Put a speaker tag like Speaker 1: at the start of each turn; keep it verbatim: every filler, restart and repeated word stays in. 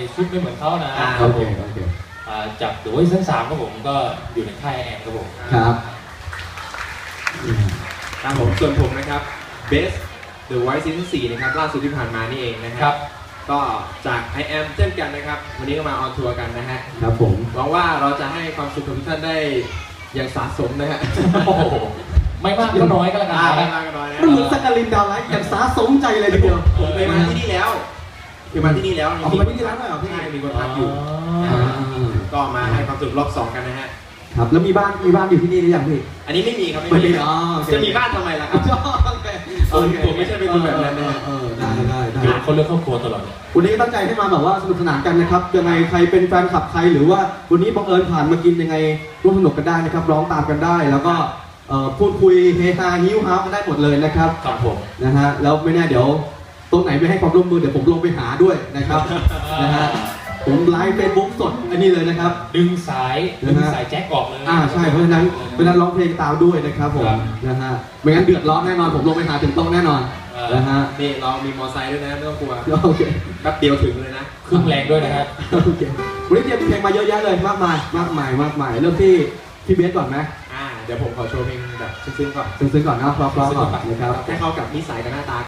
Speaker 1: ชุดไม่เหมือนเขานะ
Speaker 2: อ่า
Speaker 1: ครั
Speaker 2: โอบ เค
Speaker 1: ผม
Speaker 2: โอเค
Speaker 1: อ่าจากเดอะวอยซ์ซีซั่นสามครับผมก็อยู่ในค่ายแอนครับผม
Speaker 2: ครับอืม
Speaker 3: ครับผมส่วนผมนะครับ Best The Voice Season สี่นะครับล่าสุดที่ผ่านมานี่เองนะค
Speaker 1: ครั
Speaker 3: รับ ก็จาก I Am เช่นกันนะครับ วันนี้ก็มาออนทัวร์กันนะฮะ
Speaker 2: ครับผม
Speaker 3: หวังว่าเราจะให้ความสุขกับทุกท่านได้อย่างสะสมนะฮะ
Speaker 1: โอ้โหไม่มากก็น้อยก็แล้วกัน
Speaker 3: อ่าไม่
Speaker 1: นะ
Speaker 3: มากก็น้อยนะ
Speaker 2: มันเหมือนสักการินดาวไลท์อย่างสาสมใจเลยทีเดียว
Speaker 3: ผมเคยมาที่นี่แล้วเคยมาที่นี่แล้ว
Speaker 2: เอามาที่นี่แล้วด้วยเหรอพี่
Speaker 3: ใช่มีคนพักอยู่
Speaker 2: อ่า
Speaker 3: ก็มาให้ความสุขรอบสองกันนะฮะ
Speaker 2: ครับแล้วมีบ้านมีบ้านอยู่ที่นี่หรือยังพี่
Speaker 3: อันนี้ไม่มีครับ
Speaker 2: ไม่มี
Speaker 3: ครับ
Speaker 2: อ๋อโอเค
Speaker 3: จะมีบ้านทำไมล่ะครับ
Speaker 2: โอเค
Speaker 3: ผมผมไม่ใช่เป็นคนแบบนั้นนะ
Speaker 2: เออได้ได้ได้
Speaker 1: อยู่คนเลือกครอบครัวตลอดเลย
Speaker 2: วันนี้ก็ตั้งใจให้มาแบบว่าสนุกสนานกันนะครับยังไงใครเป็นแฟนคลับใครหรือว่าวันนี้บังเอิญผ่านมากินยังไงร่วมสนุกกันได้นะครับร้องตามกันได้ แล้วก็เอ่อพูดคุยเฮฮาฮิ้วฮาวกันได้หมดเลยนะครับ
Speaker 1: ครับผม
Speaker 2: นะฮะแล้วไม่แน่เดี๋ยวตรงไหนไม่ให้ความร่วมมือเดี๋ยวผมลงไปหาด้วยนะครับนะฮะผมไลฟ์เฟซบุ๊กสดอันนี้เลยนะครับ
Speaker 1: ดึงสาย
Speaker 2: นะ
Speaker 1: ดึง
Speaker 2: ฮะ
Speaker 1: สายแจ็คออกเลย
Speaker 2: อ่าใช่เพราะฉะนั้นเพราะฉะนั้นร้องเพลงตามด้วยนะครับผม
Speaker 1: ครับ
Speaker 2: นะฮะไม่งั้นเดือดร้อนแน่นอนผมลงไปหาถึงโต๊ะแน่นอน
Speaker 1: เออ
Speaker 2: นะฮะ
Speaker 3: นี่เรามีมอไซค์ด้วยนะไม่ต้องกลัว
Speaker 2: โอเค
Speaker 3: แป๊บเดียวถึงเลยนะ
Speaker 1: ครึ่งแรงด้วยนะครับ
Speaker 2: โอเควันนี้เตรียมเพลงมาเยอะแยะเลยมากมายมากมายมากมายเริ่มที่พี่เบสก่อนไหม
Speaker 3: อ่าเดี๋ยวผมขอโชว์เพลงแบบซึ้งๆก่อน
Speaker 2: ซึ้งๆก่อนนะเพราะๆก่อนนะครับ
Speaker 3: ให้เข้ากับนิสัยกับหน้าตา